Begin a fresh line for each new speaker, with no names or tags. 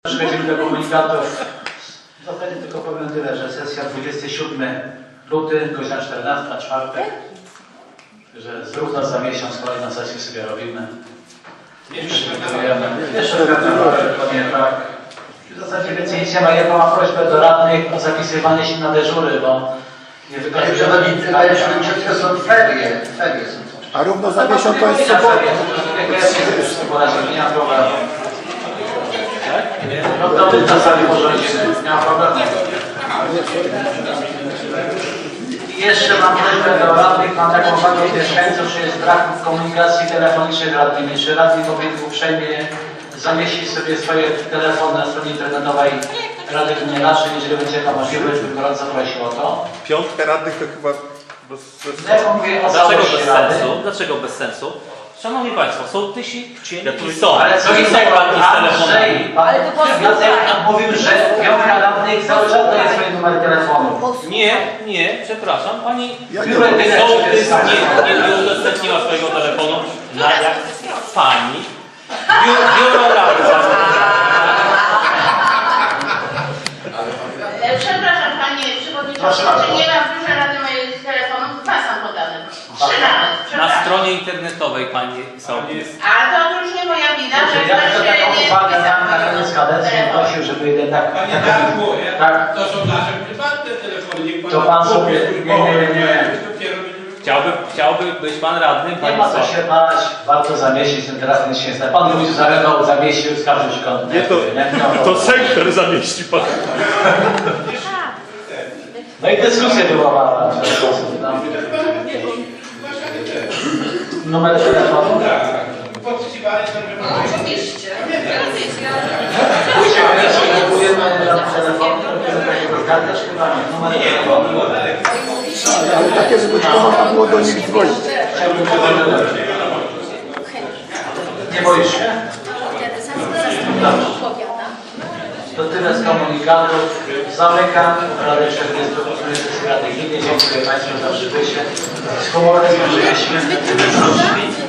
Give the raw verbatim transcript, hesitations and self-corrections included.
Przechodzimy do komunikatów. W zasadzie tylko powiem tyle, że sesja dwudziestego siódmego lutego, godzina czternasta, czwartek. Że zrówna za miesiąc kolejną sesję sobie robimy. Przygotujemy. Jeszcze dokładnie tak. W zasadzie więcej nic nie ma. Ja mam prośbę do radnych o zapisywanie się na dyżury, bo nie
Panie przewodniczący, panie przewodniczący, to są ferie. Ferie są.
A równo za miesiąc to jest sobota.
Nie ma problemu. No to my na sali porządzimy. Nie ma problemu. I jeszcze mam prośbę do radnych, mam taką uwagę od mieszkańców, że jest brak komunikacji telefonicznej z radnymi. Czy radni powinien uprzejmie zamieścić sobie swoje telefony na stronie internetowej Rady Gminy Naszej, jeżeli będzie taka możliwość, bym gorąco prosił o to.
Piątka radnych to chyba bez sensu.
Ja mówię o
Dlaczego
całości
bez
rady.
sensu? Dlaczego bez sensu? Szanowni Państwo, są tysi
Ja
są.
Ale co
Są
innego,
radni z telefonami.
Andrzej, pan Jacek nam mówił, że piątka radnych cały czas daje swoje numery telefonu.
Nie, nie, przepraszam, Pani
Ja nie
Które
mam.
tyle
sołtys
jest?
nie, nie, nie udostępniła swojego telefonu na jak Pani biuro, biuro rady.
E, Przepraszam Panie Przewodniczący, czy nie ma w biurze Rady mojego telefonu? Dwa są podane. Trzy nawet.
Na
Przepraszam.
stronie internetowej Pani sołtys.
A to już nie moja wina, że
Dobrze, ja
ktoś
tylko
się
taką
nie
uwagę
wpisał
miałem na koniec kadencji,
telefon.
prosił, żeby jednak...
Panie Darku,
Tak.
to są nasze prywatne telefony. Niech pan
To pan sobie- nie, nie, nie, nie.
Chciałby, chciałby być Pan radnym
Nie ma co
Państwa.
się bać, warto zamieścić ten teraz ten się zna. Pan Wójt zalegał, zamieścił, skarżył się kąt.
Nie, to, to sektor zamieści pan.
No i dyskusja była w ten sposób. No. Numer telefonu?
Podpisywali to, że
Oczywiście.
Później kupujemy telefon, robimy takiego kartę, chyba nie. Numer telefonu.
Ale takie, żeby tylko można było do nich dzwonić.
Chciałbym powiedzieć. Nie boisz się? To tyle z komunikatów. Zamykam Radę czterdziestej sesji Rady Gminy. Dziękuję Państwu za przybycie. Z humorem złożyliśmy.